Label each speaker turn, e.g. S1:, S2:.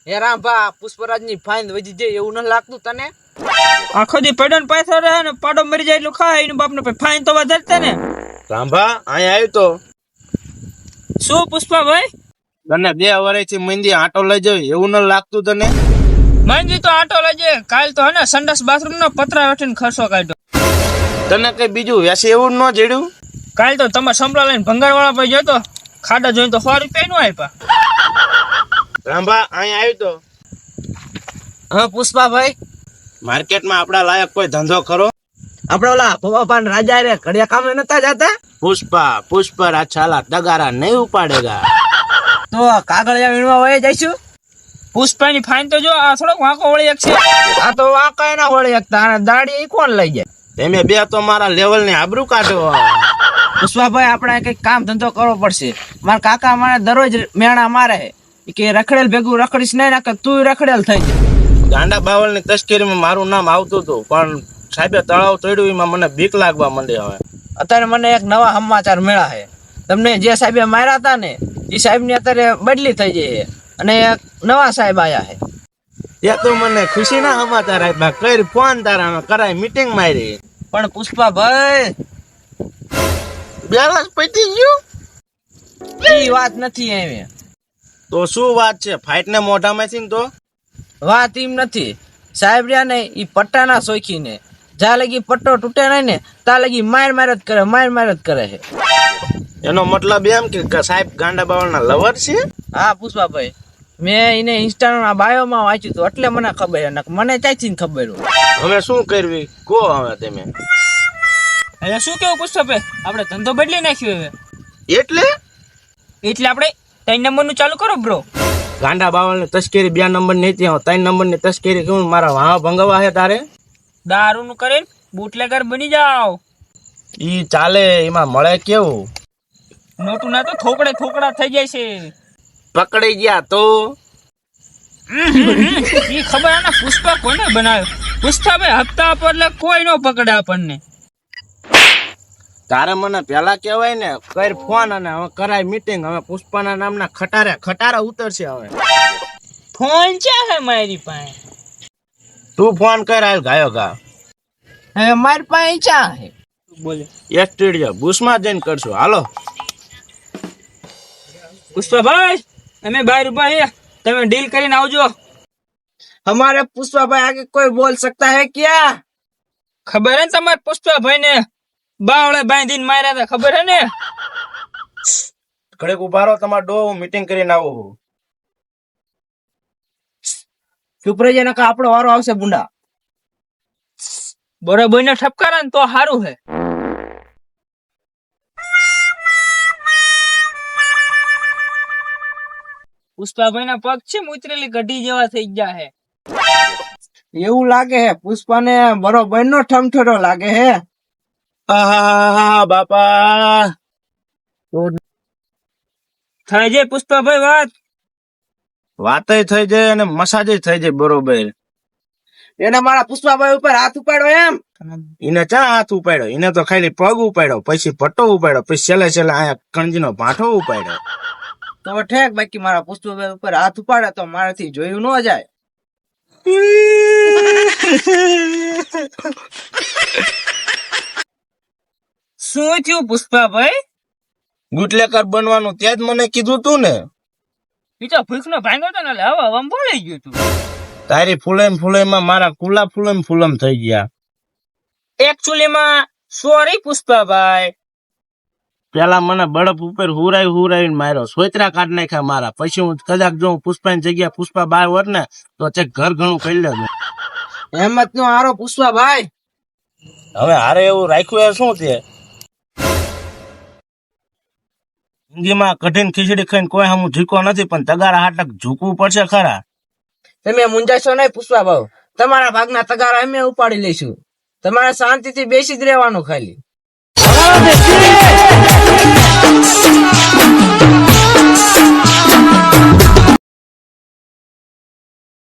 S1: હે રામભા પુષ્પરાજ ની ફાઈન વધી જાય એવું ન લાગતું તને?
S2: આખો દી પડ્યો ને પૈસા રહે ને પાડો મરી જાય એટલું ખાય એનું બાપ ને ફાઈન તો વધારતે ને.
S3: રામભા અહીંયા આવ્યો તો
S2: શું પુષ્પાભાઈ?
S3: તને 2 વર્ષથી મંદી આટો લઈ જાય એવું ન લાગતું તને?
S2: માંગી તો આટો લેજે, કાલ તો હે ને સંડાસ બાથરૂમ નો પતરા વેઠીને ખર્ચો કાઢ્યો.
S3: તને કઈ બીજું વેસે એવું ન જડ્યું?
S2: કાલ તો તમે સંભળા લઈને ભંગાર વાળા પર જતો ખાડા જોઈને તો 100 રૂપિયા નું આપ્યા.
S3: રામભા અહીંયા આવ્યો તો
S1: હા પુષ્પાભાઈ,
S3: માર્કેટમાં આપડા લાયક કોઈ ધંધો કરો?
S1: આપડે ઓલા ભવાભાન રાજા રે ઘડિયા કામે નતા જતા?
S3: પુષ્પા છાલા તગારા નહીં ઉપાડેગા.
S1: તો કાગળિયા વીણવા વહી જઈશું.
S2: પુષ્પાની ફાઈન તો જો આ થોડોક વાંકો વળી એક છે.
S1: આ તો વાંકા ના વળી શકતા અને દાડી કોણ લઈ જાય?
S3: તમે બે તો મારા લેવલ ની આબરૂ કાઢો.
S1: પુષ્પાભાઈ આપણે કઈક કામ ધંધો કરવો પડશે. મારા કાકા મને દરરોજ મેણા મારે કે રખડેલ ભેગું રખડીશ નહીં નાખે તું રખડેલ થઈ જાય.
S3: ગાંડા બાવળ ની તસ્કરીમાં મારું નામ આવતું હતું પણ સાહેબે તળાવ તોડ્યું એમાં મને બીક લાગવા માંડી. હવે
S1: અત્યારે મને એક નવા સમાચાર મળ્યા છે. તમને જે સાહેબે માર્યા હતા ને એ સાહેબ ની અત્યારે બદલી થઈ જાય અને એક નવા સાહેબ આયા છે.
S3: ત્યાં તો મને ખુશી ના સમાચાર આપ્યા. કઈ ફોન તારા કરાય મીટિંગ મારી.
S1: પણ પુષ્પાભાઈ
S3: બેલેન્સ પતી ગયું.
S1: એ વાત નથી એમ.
S3: તો શું વાત છે? ફાઇટ ને મોઢામાંથી ને તો
S1: વાત એમ નથી. સાહેબ રહ્યા ને એ પટ્ટાના શોખી ને જ્યાં લગી પટ્ટો તૂટે નહીં ને ત્યાં લગી માર જ કરે છે.
S3: એનો મતલબ એમ કે સાહેબ ગાંડા બાવળ ના લવર છે?
S1: હા પુષ્પાભાઈ, મેં એને ઇન્સ્ટાના બાયોમાં વાંચ્યું હતું એટલે મને ખબર. મને ક્યાંથી ખબર હોય?
S3: હવે શું કરવી કહો. હવે તમે
S2: હવે શું કેવું પુષ્પાભાઈ? આપણે ધંધો બદલી નાખ્યો હવે.
S3: એટલે
S2: આપણે 3 નંબર નું ચાલુ કરો બ્રો.
S3: ગાંડા બાવળ ની તસ્કરી 2 નંબર ની હતી, 3 નંબર ની તસ્કરી કેવું મારા વાહ ભંગવા છે તારે?
S2: દારૂ નું કરીને બુટલેગર બની જાવ.
S3: ઈ ચાલે, એમાં મળે કેવું?
S2: નોટું ના તો થોકડા થઈ જાય છે.
S3: પકડી ગયા તો
S2: ઈ ખબર ને પુષ્પા કોને બનાવ્યો? પુષ્પાભાઈ હપ્તા પર એટલે કોઈ નો પકડે આપણને.
S3: તારે મને પેલા કેવાય ને કર ફોન અને હવે કરાય મીટિંગ. હવે પુષ્પાના નામના ખટારા ઉતરશે. હવે
S2: ફોન છે હે મારી પાસે.
S3: તું ફોન કર હાલ ગાયો ગા.
S1: હવે મારી પાસે ચા છે.
S2: બોલે
S3: સ્ટુડિયો બુશમાં જઈને કરશું. હાલો
S2: પુષ્પાભાઈ, અમે 12 રૂપિયા તમે ડીલ કરીને આવજો.
S1: हमारे पुष्पाभाई आगे कोई बोल सकता है क्या?
S2: ખબર હે તમારે પુષ્પાભાઈ ને બાવળે બાંધીને માર્યા હતા, ખબર હે ને?
S3: ઘડીક ઉભા રહો, તમારો ડો મીટિંગ કરીને આવું.
S1: ચૂપ રહી જાય, આપણો વારો આવશે બુંડા.
S2: બરોબર ને ઠપકારા ને તો સારું હે. પુષ્પાભાઈ ના પગ છે ઉતરેલી ગઢી જેવા થઈ ગયા હે.
S1: એવું લાગે હે પુષ્પા ને બરોબર નો ઠમઠોડો લાગે હે.
S3: બાપા
S2: થઈ જાય પુષ્પાભાઈ
S3: વાતય થઈ જાય અને મસાજ થઈ જાય બરોબર.
S1: એને મારા પુષ્પાભાઈ ઉપર હાથ ઉપાડો એમ?
S3: એને ચા હાથ ઉપાડ્યો? એને તો ખાલી પગ ઉપાડ્યો, પછી પટ્ટો ઉપાડ્યો, પછી છેલ્લે અહીંયા કણજી નો ભાંઠો ઉપાડ્યો.
S1: તો ઠેક, બાકી મારા પુષ્પાભાઈ ઉપર હાથ ઉપાડે તો મારાથી જોયું ન જાય.
S2: શું થયું પુષ્પાભાઈ?
S3: ગુટલેકર બનવાનું ત્યાં જ મને કીધું તું ને.
S2: બીજો ભૂખ નો ભાંગો તો ને હવા બોલાઈ ગયું તું.
S3: તારી ફૂલેમાં મારા કુલા ફૂલમ થઈ ગયા.
S2: એકચ્યુઅલીમાં સોરી પુષ્પાભાઈ.
S3: પેલા મને બળપ ઉપર હુરાઈને માર્યો, સોતરા કાઢ નાખ્યા મારા. પછી હું કદાચ જો પુષ્પાની જગ્યા પુષ્પા બાર હોત ને તો ચેક ઘર ઘણું કરી લેતું.
S1: હેમત નો હારો પુષ્પાભાઈ.
S3: હવે હારે એવું રાખ્યું એ શું છે? જિંદગીમાં કઠિન ખીચડી ખાઈને કોઈ હમું ઝીકો નથી, પણ તગારા હાટક ઝૂકવું પડશે ખરા.
S1: તમે મુંજાશો નહીં પુષ્પાભાઈ, તમારા ભાગના તગારા અમે ઉપાડી લઈશું. તમારે શાંતિથી બેસી જ રહેવાનું ખાલી.